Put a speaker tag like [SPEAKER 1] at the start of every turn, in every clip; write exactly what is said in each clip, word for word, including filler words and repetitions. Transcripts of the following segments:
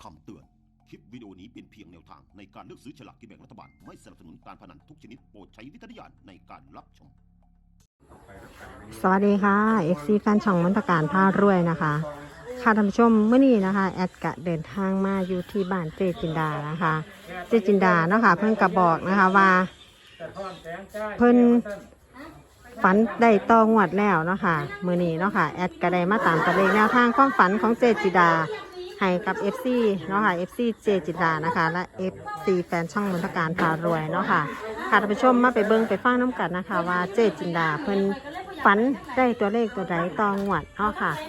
[SPEAKER 1] คำเตือน คลิปวิดีโอนี้เป็นเพียงแนวทางในการเลือกซื้อฉลากกินแบ่งรัฐบาล ไม่สนับสนุนการพนันทุกชนิดโปรดใช้วิจารณญาณในการรับชม
[SPEAKER 2] สวัสดีค่ะ เอฟ ซี แฟนช่องมนตการพารวยนะคะค่ะท่านผู้ชมเมื่อนี้นะคะแอดกะเดินทางมาอยู่ที่บ้านเจจินดานะคะเจจินดาเนาะค่ะเพิ่นกระบอกนะคะว่าเพิ่นฝันได้ต่องวดแล้วเนาะค่ะมื้อนี้เนาะค่ะแอดก็ได้มาตามตัวเลขแนวทางความฝันของเจจินดาให้กับ เอฟ ซี เนาะค่ะ เอฟ ซี เจจินดานะคะและ เอฟ ซี แฟนช่องมนตการพารวยเนาะค่ะค่ะท่านผู้ชมมาไปเบิ่งไปฟังน้ำกันนะคะว่าเจจินดาเพิ่นฝันได้ตัวเลขตัวใดต่องวดเนาะค่ะ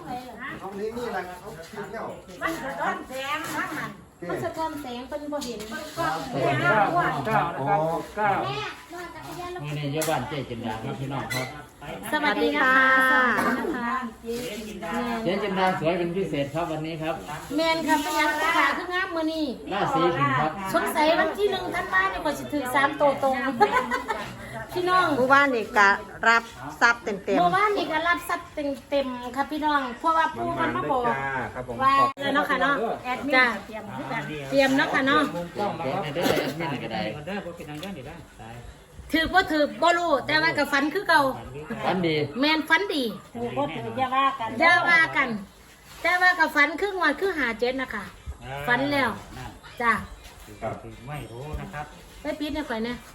[SPEAKER 3] มันสะท้อนแสงทั้งนั้นมันสะท้อนแสงเป็นบ่เห็นมันก็
[SPEAKER 4] เก้าเก้านะครับเก้า
[SPEAKER 5] นี่ในเยาบ้านเจ๊จินดาครับพี่น้องครับ
[SPEAKER 3] สวัสดีค่ะสวัสดีนะคะ
[SPEAKER 5] เจ๊จินดาสวยเป็นพิเศษครับวันนี้ครับ
[SPEAKER 3] แมนครับเป็นยังขาขึ้นงามมื้อนี้
[SPEAKER 5] ราศีถึงครับ
[SPEAKER 3] สงสัยวันที่หนึ่งท่านมาเนี่ยก็สิถือสามโตตรงพี่น้อง
[SPEAKER 2] ผู้บ้านนี่ก็รับทรัพย์เต็ม
[SPEAKER 3] เมื่อวานนี่ก็รับสัตว์เต็มๆครับพี่น้องเพราะว่าผู้มันมาบอก
[SPEAKER 4] ครับผม
[SPEAKER 3] ว่าเออเนาะค่ะเนาะแอดมินเตรียมเตรียมเนาะค่ะเนาะ
[SPEAKER 5] เจ๊ในเด้อแอดมินก็ได้
[SPEAKER 3] ถือบ่ถือบ่รู้แต่ว่าก็ฝันคือเก่า
[SPEAKER 5] ฝันดี
[SPEAKER 3] แมนฝันดี
[SPEAKER 6] ถือว่าถืออย่าว่ากัน
[SPEAKER 3] อย่าว่ากัน แต่ว่ากับฝันครึ่งวันคือหาเจ็ดนะคะฝันแล้วจ้า
[SPEAKER 4] ไม่รู้นะครับ
[SPEAKER 3] ไปปิดเนี่ยข่อยเนี่ย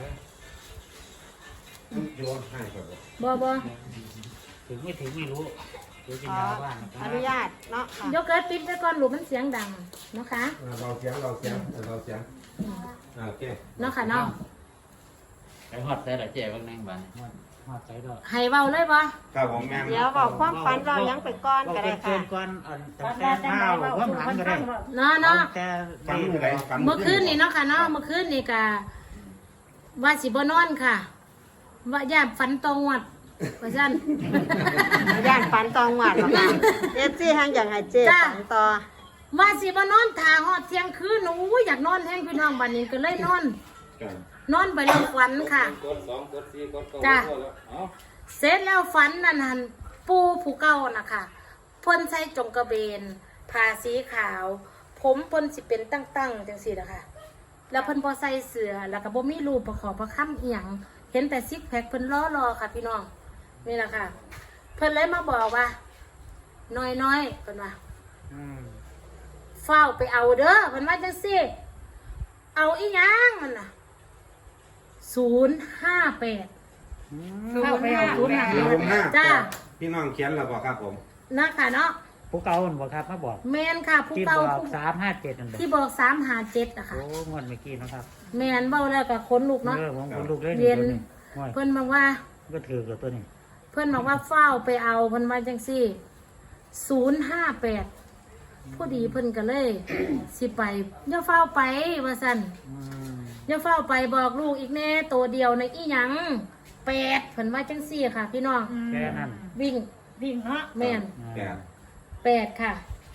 [SPEAKER 4] โยนให้ครับ
[SPEAKER 3] บ่บ่
[SPEAKER 4] ถึงไม่ถึงไม่รู้เดี๋ยว
[SPEAKER 2] ๆ
[SPEAKER 4] จิ
[SPEAKER 2] ข
[SPEAKER 4] น
[SPEAKER 2] อ
[SPEAKER 4] ดาบ้านนะค
[SPEAKER 2] อ
[SPEAKER 4] รับ
[SPEAKER 2] นุญาตเนาะค่ะ
[SPEAKER 3] เดี๋ยวเกิดปิดไปก่อนหลูกมันเสียงดังนะคะ
[SPEAKER 4] เราเสียงเราเสียงเราเสียงโอเค
[SPEAKER 3] เนาะค่ะเนาะ
[SPEAKER 5] ไปฮอดแต่ละเจ๊บางแนงบ้าน
[SPEAKER 4] หอดใจดอก
[SPEAKER 3] ให้เว้าเลยบ่
[SPEAKER 4] ครับผมแม่
[SPEAKER 2] เดี๋ยวบอกความฝันเรายังไปก้อนก็ได้ค่ะ
[SPEAKER 4] ก่อนตั้งแต่เท้าว่าหลังก็ได้
[SPEAKER 3] เนาะเนาะ
[SPEAKER 4] แต่
[SPEAKER 7] ฝันอะไรฝัน
[SPEAKER 3] เมื่อคืนนี่เนาะค่ะเนาะเมื่อคืนนี่ก็ว่าสิบ่นอนค่ะ ว่าย่านฝันตรงวัดว่าซั่น
[SPEAKER 2] ย่านฝันตองหวัดหรอกค่ะเอฟซีทางอย่างไฮเจ
[SPEAKER 3] จ้า
[SPEAKER 2] ฝันต่อ
[SPEAKER 3] ว่าสิบ่นอนท่าฮอดเที่ยงคืนโอ้ยอยากนอนแฮงพี่น้องบัดนี้ก็เลยนอน นอนไปแล้วฝันค่ะจ้าเสร็จแล้วฝันนั่นหันปูผู้เก่านะคะเพิ่นใส่จงกระเบนผ้าสีขาว ผมเพิ่นสิเป็นตั้งๆจังซี่นะคะแล้วเพิ่นบ่ใส่เสื้อแล้วก็บ่มีรูปประกอบประคำอีหยังเห็นแต่ซิกแพคเพิ่นล้อๆค่ะพี่น้องนี่แหละค่ะเพิ่นเลยมาบอกว่า น้อยๆเพิ่นว่าเฝ้าไปเอาเด้อเพิ่นว่าจังซี่เอาอีหยังมันน่ะศูนย์ห้าแปด
[SPEAKER 6] เข้าไปเอาทุนหา
[SPEAKER 7] ลมห้า
[SPEAKER 3] จ้า
[SPEAKER 7] พี่น้องเขียนแล้วบอกครับผม
[SPEAKER 3] นะค่ะเนาะ
[SPEAKER 4] ผู้เก่าบอกครับมาบอก
[SPEAKER 3] แมนค่ะผู้
[SPEAKER 4] ที่
[SPEAKER 3] เก่า
[SPEAKER 4] บอก
[SPEAKER 3] ผู้
[SPEAKER 4] สามห้าเจ็ดนั่น
[SPEAKER 3] ที่บอกสามหาเจ็ดอะค่ะ
[SPEAKER 4] โอ้งวดเมื่อกี้นะครับ
[SPEAKER 3] แมนเบ้าแล้วกับคนลูกเนาะ
[SPEAKER 4] เออผมคนลูกเล่น
[SPEAKER 3] เรียน
[SPEAKER 4] ตัวนี้
[SPEAKER 3] เพื่อนบอกว่า
[SPEAKER 4] ก็ถือกับตัวนี้
[SPEAKER 3] เพื่อนบอกว่าเฝ้าไปเอาเพื่อนว่าจังสี่ศูนย์ห้าแปดผู้ดีเพื่อนก็เลย สิไปอย่าเฝ้าไปว่าสันอย่าเฝ้าไปบอกลูกอีกแน่ตัวเดียวในอีหยังแปดเพื่อนว่าจังสี่ค่ะ พี่น้อง
[SPEAKER 4] แค่นั้น
[SPEAKER 3] วิ่ง
[SPEAKER 6] วิ่งเนาะ
[SPEAKER 3] แมน
[SPEAKER 7] แปด
[SPEAKER 3] แปดค่ะ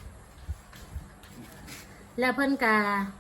[SPEAKER 3] แล้วเพิ่นกา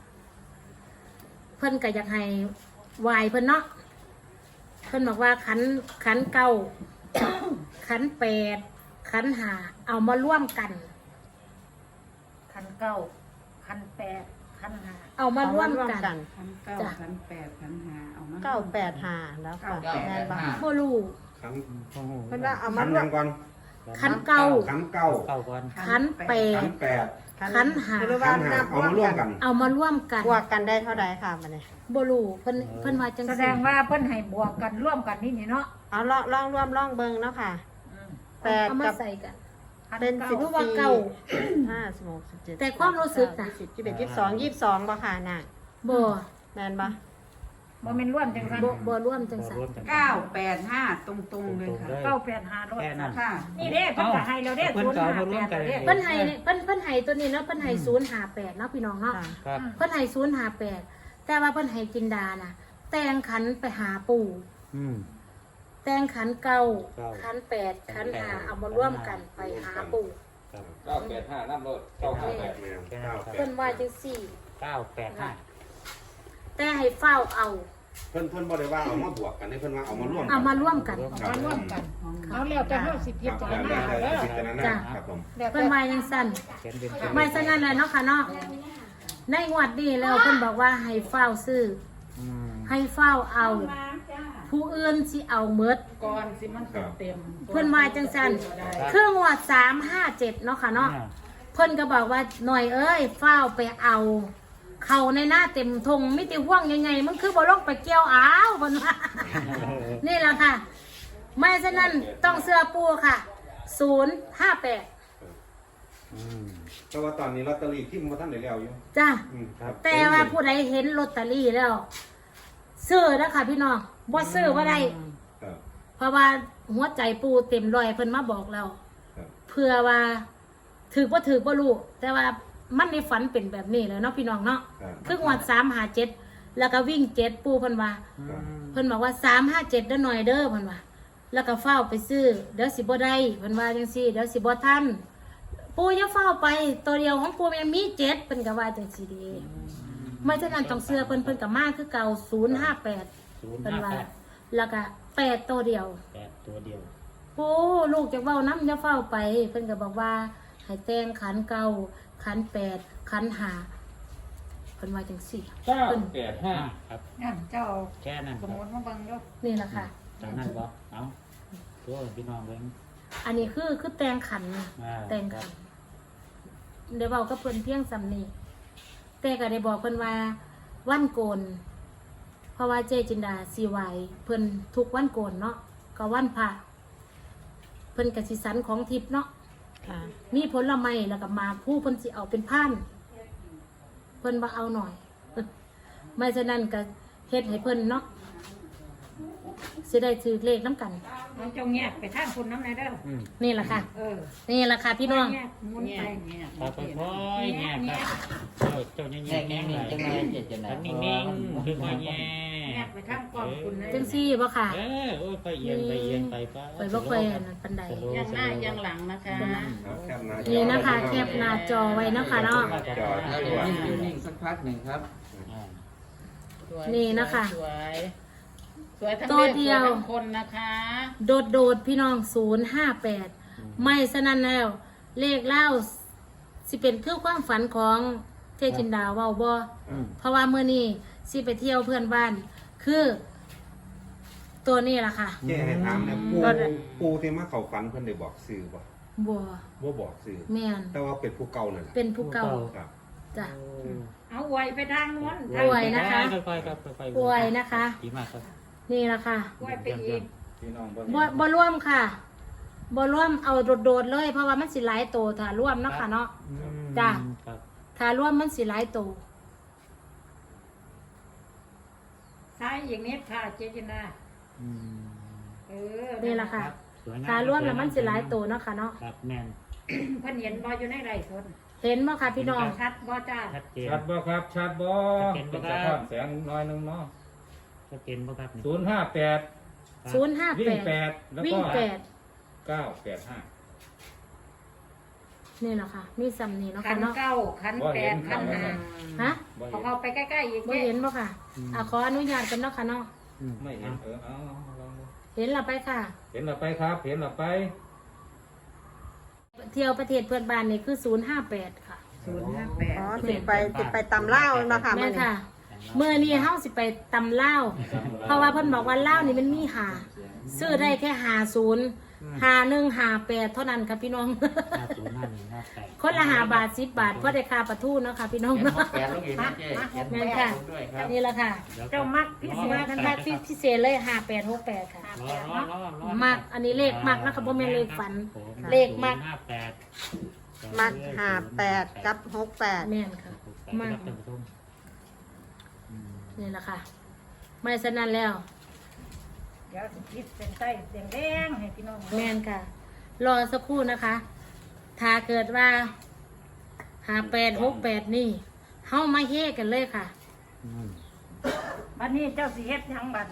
[SPEAKER 3] เพิ่นกาอยากให้วายเพิ่นเนาะเพิ่นบอกว่าขันขันเก้า ขันแปดขันหาเอามาร่วมกัน
[SPEAKER 6] คันเก้าคันแปดคันห้า
[SPEAKER 3] เอามาร่วม
[SPEAKER 2] ร่วม
[SPEAKER 3] กัน
[SPEAKER 2] กัน
[SPEAKER 6] คันเก้า
[SPEAKER 3] จ้ะ
[SPEAKER 6] คันแปดคันห้าเอามา
[SPEAKER 2] เก้าแปดห้าแล้วค่ะ
[SPEAKER 5] เก้า
[SPEAKER 2] แม่
[SPEAKER 5] แป
[SPEAKER 2] น
[SPEAKER 5] ด
[SPEAKER 2] บ้า
[SPEAKER 5] ห้า
[SPEAKER 3] บ่รู้
[SPEAKER 7] ขัน
[SPEAKER 4] โอ้โห
[SPEAKER 2] เพิ่นว่าเอา
[SPEAKER 7] ขั
[SPEAKER 2] มาน ร่ว
[SPEAKER 7] ยั
[SPEAKER 2] ม
[SPEAKER 7] งก่อน
[SPEAKER 3] ขันเก้า
[SPEAKER 7] ขันเก้า
[SPEAKER 4] เก่าก่อน
[SPEAKER 3] ขันแป
[SPEAKER 7] ขั
[SPEAKER 3] ด
[SPEAKER 7] นแปด
[SPEAKER 3] ขันหา
[SPEAKER 2] หรือ
[SPEAKER 7] ขั
[SPEAKER 2] ว่าน
[SPEAKER 7] ห้า
[SPEAKER 2] นับ
[SPEAKER 7] เอามาร่วมกัน
[SPEAKER 3] เอามาร่วมกัน
[SPEAKER 2] บวกกันได้เท่าใดค่ะมันเนี่ย
[SPEAKER 3] บ่รู้เพิ่นเพิ่นว่าจัง
[SPEAKER 6] แสด
[SPEAKER 3] ซี่
[SPEAKER 6] งว่าเพิ่นให้บวกกันร่วมกันนี่นี่เนาะ
[SPEAKER 2] เอาลองลองรวมลองเบิ่งเนาะค่ะแปด
[SPEAKER 3] เอามา
[SPEAKER 2] กับ
[SPEAKER 3] ใส่กัน
[SPEAKER 6] คัน
[SPEAKER 2] เป็น
[SPEAKER 6] เก้า
[SPEAKER 2] สิบ
[SPEAKER 3] รู้ว่าเก้า
[SPEAKER 2] ห้าสิบหกสิบเจ็ด
[SPEAKER 3] แต่ความรู้สึกน่ะ
[SPEAKER 2] สิบยี่สิบเอ็ดยี่สิบสองยี่สิบสองบ่ค่ะน่ะ
[SPEAKER 3] บ่
[SPEAKER 2] แม่นบ่
[SPEAKER 6] บ่แม่นร่วมจังซั่น
[SPEAKER 3] บ่บ่ร่วมจังซั่น
[SPEAKER 4] รวมกัน
[SPEAKER 8] เก้าแปดห้าตรงๆเลยค่ะ
[SPEAKER 6] เก้าแปดห้ารถ
[SPEAKER 4] แค่นั้น
[SPEAKER 8] ค่ะ
[SPEAKER 6] นี่เด้เพิ่นก็ให้เราเด้
[SPEAKER 4] เพิ่น
[SPEAKER 6] ศูนย์
[SPEAKER 4] ก็เอา
[SPEAKER 6] ห้า
[SPEAKER 4] มาร่
[SPEAKER 6] แป
[SPEAKER 4] วม
[SPEAKER 6] ด
[SPEAKER 4] กัน
[SPEAKER 6] เด้
[SPEAKER 3] เพิ่นให้เพิ่นเพิ่นให้ตัวนี้เนาะเพิ่นให้ศูนย์ห้าแปดเนาะพี่น้องเนาะ
[SPEAKER 2] ค่ะ
[SPEAKER 4] ครับ
[SPEAKER 3] เพิ่นให้ศูนย์ห้าแปดแต่ว่าเพิ่นให้จินดาน่ะ แต่งขันไปหาปู่
[SPEAKER 4] อืม
[SPEAKER 3] แต่งขันเก้า
[SPEAKER 4] เก้า
[SPEAKER 3] ขันแปดขันห้าเอามาร่วมกันไปหาปู่
[SPEAKER 4] ครับ
[SPEAKER 5] เก้าแปดห้าน้ำรถเก้าห้าแปด
[SPEAKER 4] แค่นั้นครับ
[SPEAKER 3] เพิ่นว่าจังซี่
[SPEAKER 4] เก้าแปดห้า
[SPEAKER 3] แต่ให้เฝ้าเอา
[SPEAKER 7] เพิ่นเพิ่นบ่ได้ว่าเอามาบวกกันนี่เพิ่นว่าเอามาร่วม
[SPEAKER 3] เอามาร่วมกัน
[SPEAKER 7] ครับ
[SPEAKER 6] มาร่วมกันเอาแล้วแต่เฮาสิพิจาร
[SPEAKER 7] แล้ว
[SPEAKER 6] ณา
[SPEAKER 7] แต่
[SPEAKER 6] เด้อ
[SPEAKER 7] พิจารณา
[SPEAKER 3] จ้ะ
[SPEAKER 7] ครับผม
[SPEAKER 6] แล้ว
[SPEAKER 3] เพิ่
[SPEAKER 6] แต่
[SPEAKER 3] นว่ายังสั้น
[SPEAKER 4] เขียนเป็น
[SPEAKER 3] ไม่ฉะนั้นเลยเนาะค่ะเนาะในงวดนี้แล้วเพิ่นบอกว่าให้เฝ้าซื้อ
[SPEAKER 4] อืม
[SPEAKER 3] ให้เฝ้าเอา ผู้อื่นสิเอาเมด
[SPEAKER 6] ก่อนสิมันเต็ม
[SPEAKER 3] เพิ่นว่าจังซั่นเครื่องงวดสามห้าเจ็ดเนาะค่ะเนาะ
[SPEAKER 4] อ่า
[SPEAKER 3] เพิ่นก็บอกว่าหน่อยเอ้ยเฝ้าไปเอา เขาในหน้าเต็มทงมิติห่วงยังไงมันคือบ่ลงไปเกี่ยวอ้าวเพิ่นว่า นี่แหละค่ะ ไม่ฉะนั้นต้องเสื้อปูค่ะศูนย์ห้าแปด
[SPEAKER 4] อืม
[SPEAKER 7] แต่ว่าตอนนี้ลอตเตอรี่ที่มันบ่ทันได้แล้วอยู่
[SPEAKER 3] จ้า
[SPEAKER 7] อืมครับ
[SPEAKER 3] แต่ว่าผู้ใดเห็นลอตเตอรี่แล้วซื้อนะคะพี่น้องบ่ซื้อบ่ได้
[SPEAKER 7] ครับ
[SPEAKER 3] เพราะว่าหัวใจปูเต็มร้อยเพิ่นมาบอกเรา
[SPEAKER 7] ครับ
[SPEAKER 3] เพื่อว่าถือบ่ถือบ่รู้แต่ว่ามันในฝันเป็นแบบนี้แหล้วเนาะพี่น้องเนาะ
[SPEAKER 7] ครับ
[SPEAKER 3] คืองวดสามห้าเจ็ดแล้วก็วิ่งเจ็ดปูเพิ่นว่า
[SPEAKER 7] ครับ
[SPEAKER 3] เพิ่นบอกว่าสามห้าเจ็ดเด้อหน่อยเด้อเพิ่นว่า แล้วก็เฝ้าไปซื้อเดี๋ยวสิบ่ได้เพิ่นว่าจังซี่เดี๋ยวสิบ่ทันปูอย่าเฝ้าไปตัวเดียวของปูมันยังมีเจ็ดเพิ่นก็ว่าจังซี่เดีไม่ฉะนั้นต้องเสื้อเพิ่นเพิ่นก็มาคือเก่าศูนย์ห้าแปด
[SPEAKER 4] ศูนย์
[SPEAKER 3] เพิ่น
[SPEAKER 4] ห้า
[SPEAKER 3] ว่า
[SPEAKER 4] แปด
[SPEAKER 3] แล้วก็แปดตัวเดียว
[SPEAKER 4] แปดตัวเดียว
[SPEAKER 3] ปูลูกจะเว้าน้ำอย่าเฝ้าไป เพิ่นก็บอกว่าให้แต่งขันเก่าขันแปดขันหาเพิ่นว่าจังซี่
[SPEAKER 5] เก้า
[SPEAKER 3] เพิ่น
[SPEAKER 5] แปดห้า
[SPEAKER 4] ครับ
[SPEAKER 6] งั้นเจ้า
[SPEAKER 4] แค่นั้น
[SPEAKER 6] ส
[SPEAKER 4] ค
[SPEAKER 6] ม
[SPEAKER 4] รับ
[SPEAKER 6] มุติมาเบิ่งเด้อ
[SPEAKER 3] นี่แหละค่ะ
[SPEAKER 4] จากนั้นบ่เอาตัวพี่น้องเบิ่ง
[SPEAKER 3] อันนี้คือคือแต่งขัน
[SPEAKER 4] อ่า
[SPEAKER 3] แต่งขันเดี๋ยวบอกก็เพิ่นเพียงสำนีแต่ก็ได้บอกเพิ่นว่าวันโกน เพราะว่าเจจินดาสีไหวเพิ่นทุกวันโกนเนาะก็วันพระเพิ่นกสิสันของทิพย์เนาะ
[SPEAKER 2] ค่ะ
[SPEAKER 3] มีผลไม้แล้วก็มาผู้เพิ่นสิเอาเป็นพันเพิ่นว่าเอาหน่อย ไม่ฉะนั้นก็เฮ็ดให้เพิ่นเนาะสิได้ถือเลขน้ำกัน
[SPEAKER 6] มันเจ้าแงกไปทางคนน้ำไหนเด้อ
[SPEAKER 4] อืม
[SPEAKER 3] นี่แหละค่ะ
[SPEAKER 6] เออ
[SPEAKER 3] นี่แหละค่ะพี่น้อง
[SPEAKER 6] แงกหมุนไปแงก
[SPEAKER 4] ครับค่อยๆแง่ครับเจ้าเจ้าแง่
[SPEAKER 5] แง่แง่แง่จังไรเจ็ดจังไร
[SPEAKER 4] ๆนิ่งๆคือค่อยๆแง่
[SPEAKER 6] แงกไปทางกองคุณนะ
[SPEAKER 3] จังซี่บ่ค่ะ
[SPEAKER 4] เออโอ้ยไปเอียงไปเอียงไปป้า
[SPEAKER 3] ไปบ่ค่อยอันนั้นปานใด
[SPEAKER 4] สโลว์
[SPEAKER 6] ยังหน้ายังหลังนะคะ
[SPEAKER 7] ครับแคปหน้าจอ
[SPEAKER 3] นี่นะคะแคปหน้าจอไว้นะคะเนาะ
[SPEAKER 7] จอ
[SPEAKER 5] แล้ว
[SPEAKER 7] ตั
[SPEAKER 5] เดี๋ยว
[SPEAKER 7] ว
[SPEAKER 5] นิ่งอยู่นิ่งสักพักหนึ่งครับ
[SPEAKER 4] อ่า
[SPEAKER 3] นี่นะคะ
[SPEAKER 6] สวยสวยทั้ง
[SPEAKER 3] ตัว
[SPEAKER 6] เลข
[SPEAKER 3] เดี
[SPEAKER 6] ส
[SPEAKER 3] ยว
[SPEAKER 6] วยทั้งคนนะคะ
[SPEAKER 3] โดดโดดๆพี่น้องศูนย์ห้าแปดไม่สนั่นแล้ว เลขเล่าสิเป็นคือความฝันของเทจินดาเว้าบ่
[SPEAKER 4] อืม
[SPEAKER 3] เพราะว่าเมื่อนี้สิไปเที่ยวเพื่อนบ้าน คือตัวนี้ล่ะค่ะ
[SPEAKER 7] เจ๊ให้ถามเนี่ยปู
[SPEAKER 3] รถอะ
[SPEAKER 7] ปูที่มาเข้าฝันเพิ่นได้บอกชื่อบ่
[SPEAKER 3] บัว
[SPEAKER 7] บ่บอกชื่อ
[SPEAKER 3] แม่น
[SPEAKER 7] แต่ว่าเป็นผู้เก่านั่นแหละ
[SPEAKER 3] เป็นผู้เก่า
[SPEAKER 7] ครับ
[SPEAKER 3] จ้ะ
[SPEAKER 6] เอาไว้ไปทางโน้น
[SPEAKER 3] อวยนะคะ
[SPEAKER 4] ค่อยๆครับค่อยๆ
[SPEAKER 3] อวยนะคะ
[SPEAKER 4] ดีมากครับ
[SPEAKER 3] นี่ล่ะค่ะ
[SPEAKER 6] ไว้ไปอีก
[SPEAKER 5] พี่น้อง
[SPEAKER 3] บ่บ่ร่วมค่ะบ่ร่วมเอาโดดๆเลย เพราะว่ามันสิหลายโตถ้าร่วมเนาะค่ะเนาะ
[SPEAKER 4] อืม
[SPEAKER 3] จ้ะ
[SPEAKER 4] ครับ
[SPEAKER 3] ถ้าร่วมมันสิหลายโต
[SPEAKER 6] ซ้ายอย่างนี้ค่ะเจจินา
[SPEAKER 4] อืม
[SPEAKER 6] เออ
[SPEAKER 3] นี่ล่ะค่ะ
[SPEAKER 4] สวยง
[SPEAKER 3] ถ้าร่วมแล้วมันสิหลายโตเนาะค่ะเนาะ
[SPEAKER 4] ครับแม่น
[SPEAKER 6] เพิ่นเห็นบ่อยู่ในไร่สน
[SPEAKER 3] เห็นบ่ค่ะพี่น้อง
[SPEAKER 6] ชัดบ่จ้า
[SPEAKER 4] ชัดเจน
[SPEAKER 5] ชัดบ่ครับชัดบ่
[SPEAKER 4] ชัดเจนบ่
[SPEAKER 5] เป็น
[SPEAKER 4] ครั
[SPEAKER 5] สะ
[SPEAKER 4] บ
[SPEAKER 5] ท้อนแสงน้อยหนึงเนาะ
[SPEAKER 4] ชัดเจนบ่ครับนี่
[SPEAKER 5] ศูนย์ห้าแปด
[SPEAKER 3] ศูนย์ห้า
[SPEAKER 5] วิ่
[SPEAKER 3] แป
[SPEAKER 5] ง
[SPEAKER 3] ด
[SPEAKER 5] แปดแล้ว
[SPEAKER 3] วิ่
[SPEAKER 5] ก็
[SPEAKER 3] งแปด
[SPEAKER 5] เก้าแปดห้า
[SPEAKER 3] นี่แหละค่ะ มีซ้ำนี่เนาะ
[SPEAKER 6] ขั
[SPEAKER 3] ค่ะ
[SPEAKER 6] น
[SPEAKER 3] เนาะ
[SPEAKER 6] เก้าขันแปดขันห้า
[SPEAKER 3] ฮะ
[SPEAKER 5] บ่
[SPEAKER 6] เอา
[SPEAKER 5] เห็น
[SPEAKER 6] เข้าไปใกล้ๆอีก
[SPEAKER 3] บ่
[SPEAKER 6] เจ๊
[SPEAKER 3] เห็นบ่ค่ะ อ่ะขออนุญาตกันเนาะค่ะเนาะ
[SPEAKER 4] อืม
[SPEAKER 5] ไม่เห็นเออเอาเอาลองดู
[SPEAKER 3] เห็นและไปค่ะ
[SPEAKER 5] เห็นเราไปครับ เห็นเราไป
[SPEAKER 3] เที่ยวประเทศเพื่อนบ้านนี่คือศูนย์ห้าแปดค่ะ
[SPEAKER 8] ศูนย์ห้าแปด
[SPEAKER 2] อ๋อสิไปสิไปตำเล่าวเนาะค่ะ
[SPEAKER 3] แม่
[SPEAKER 2] มื้อนี้
[SPEAKER 3] ค่ะ เมื่อนี้เฮาสิไปตำเล่าวเพราะว่าเพิ่นบอกว่าเล่าวนี่มันมีหาซื้อได้แค่หาศูนย์หาหนึ่งหาแปดเท่านั้นค่ะพี่น้อง
[SPEAKER 4] ห้าศูนย์ห้าหนึ่งห้าแปด
[SPEAKER 3] คนละหาบาทสิบบาทเพราะได้ค่าปลาทูเนาะค่ะพี่น้อง
[SPEAKER 5] เห็น
[SPEAKER 3] เนาะ
[SPEAKER 5] หกแปดลูกเห็นนะเจ๊เห็น
[SPEAKER 3] แม่นค่ะ
[SPEAKER 5] ด้วยครับ
[SPEAKER 3] นี่แหละค่ะ
[SPEAKER 6] เจ้ามักพิเศ
[SPEAKER 3] มา
[SPEAKER 6] ษ
[SPEAKER 3] ทันทัดพิเศษเลยห้าแปดหกแปดค่ะ
[SPEAKER 4] รอรอรอรอ
[SPEAKER 3] มักอันนี้เลขมักนะคะบ่แม่นเลขฝัน
[SPEAKER 4] ผม
[SPEAKER 3] เลขมัก
[SPEAKER 4] ศูนย์ห้าแปด
[SPEAKER 2] มักห้าแปดกับหกแปด
[SPEAKER 3] แม่นค่ะ
[SPEAKER 4] มั
[SPEAKER 3] มาก
[SPEAKER 4] กท่านผู้ชมอืม
[SPEAKER 3] นี่แหละค่ะ ไม่ฉะนั้นแล้ว
[SPEAKER 6] เดี๋ยวสิคิดเป็นไส้แดงๆให้พี่น้อง
[SPEAKER 3] แม่นค่ะ รอสักครู่นะคะ ถ้าเกิดว่าหาแปดหกแปดนี่เฮามาเฮกันเลยค่ะ
[SPEAKER 4] อืม
[SPEAKER 6] บัดนี้เจ้าสิเฮ็ดหยังบัดนี่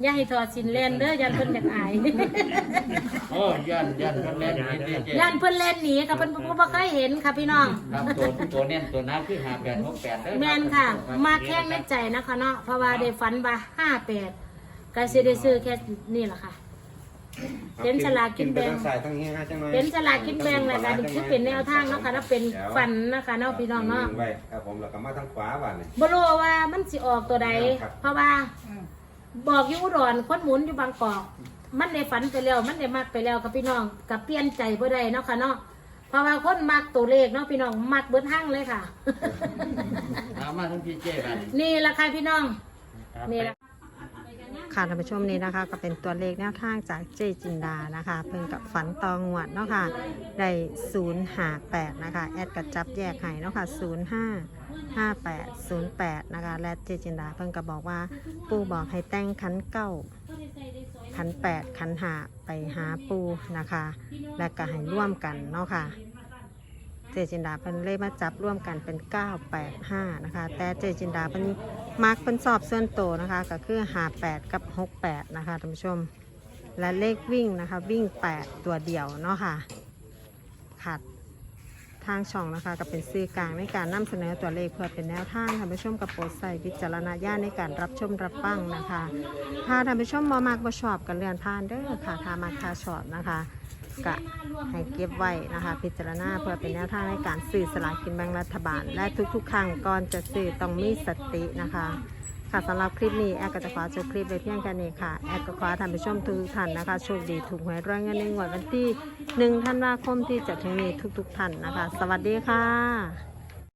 [SPEAKER 3] อย่าให้ถอดสินเล่นเด้อยันเพิ่นอยากอาย
[SPEAKER 5] โอ้ย่านย่านเพิ่นเล่นนี่เจ๊เจ๊
[SPEAKER 3] ยันเพิ่นเล่นหนีค่ะเพิ่นบ่บ่เคยเห็นค่ะพี่น้อง
[SPEAKER 5] ครับตัวตัวเน้นตัวน้ำคือห้าแปดหกแปดเด้อ
[SPEAKER 3] แม่นค่ะ มาแข้งในใจนะคะเนาะเพราะว่าได้ฝันว่าห้าแปดก็สิได้ซื้อแค่นี่แหละค่ะ เป็นฉลากกินแบ่ง
[SPEAKER 7] ทั้งสายทั้งเฮียจังหน่อย
[SPEAKER 3] เป็นฉลากกินแบ่งแหละค่ะนี่คือเป็นแนวทางเนาะค่ะแล้วเป็นฝันนะคะเนาะพี่น้องเนาะ
[SPEAKER 7] ไว้ครับผมแล้วก็มาทางขวาบ้านนี่
[SPEAKER 3] บ่รู้ว่ามันสิออกตัวใด
[SPEAKER 7] ครับ
[SPEAKER 3] เพราะว่าบอกอยู่อุดรคนหมุนอยู่บางกอกมันได้ฝันไปแล้วมันได้มักไปแล้วกับพี่น้องกับเปลี่ยนใจบ่ได้เนาะค่ะเนาะเพราะว่าคนมักตัวเลขเนาะพี่น้องมักเบิดห้างเลยค่ะ
[SPEAKER 5] เอามาทั้งพี่เจ๊บ้าน
[SPEAKER 3] นี่ล่ะค่ะพี่น้อง
[SPEAKER 4] ครับ
[SPEAKER 3] นี่ล่ะ
[SPEAKER 2] ค่ะท่านผู้ชมนี้นะคะก็เป็นตัวเลขแนวทางจากเจจินดานะคะเพิ่งกับฝันตองงวดเนาะค่ะได้ศูนย์ห้าแปดนะคะแอดกับจับแยกให้เนาะค่ะศูนย์ห้าห้าแปดศูนย์แปดนะคะและเจจินดาเพิ่งกับบอกว่าปู่บอกให้แต่งขันเก้าขันแปดขันหาไปหาปูนะคะ และก็ให้ร่วมกันเนาะค่ะเจจินดาเพิ่นเลยมาจับร่วมกันเป็นเก้าแปดห้านะคะแต่เจจินดาเพิ่นมาร์กเพิ่นสอบส่วนโตวนะคะก็คือหาแปดกับหกแปดนะคะท่านผู้ชมและเลขวิ่งนะคะวิ่งแปดตัวเดียวเนาะค่ะขัดทางช่องนะคะก็เป็นสื่อกลางในการนำเสนอตัวเลขเพื่อเป็นแนวทางท่านผู้ชมกับโปรดใส่วิจารณญาณในการรับชมรับฟังนะคะถ้าท่านผู้ชมบ่มักบ่ชอบกันเลื่อนผ่านเด้อค่ะถ้ามาคาชอบนะคะก็ให้เก็บไว้นะคะพิจารณาเพื่อเป็นแนวทางในการซื้อสลากกินแบ่งรัฐบาล และทุกๆ ครั้งก่อนจะซื้อต้องมีสตินะคะค่ะสำหรับคลิปนี้แอดก็จะขอจบคลิปไปเพียงแค่นี้ค่ะแอดก็ขอให้ท่านผู้ชมทุกท่านนะคะโชคดีถูกหวยรวยเงินในงวดวันที่หนึ่งธันวาคมที่จะถึงนี้ทุกๆท่านนะคะสวัสดีค่ะ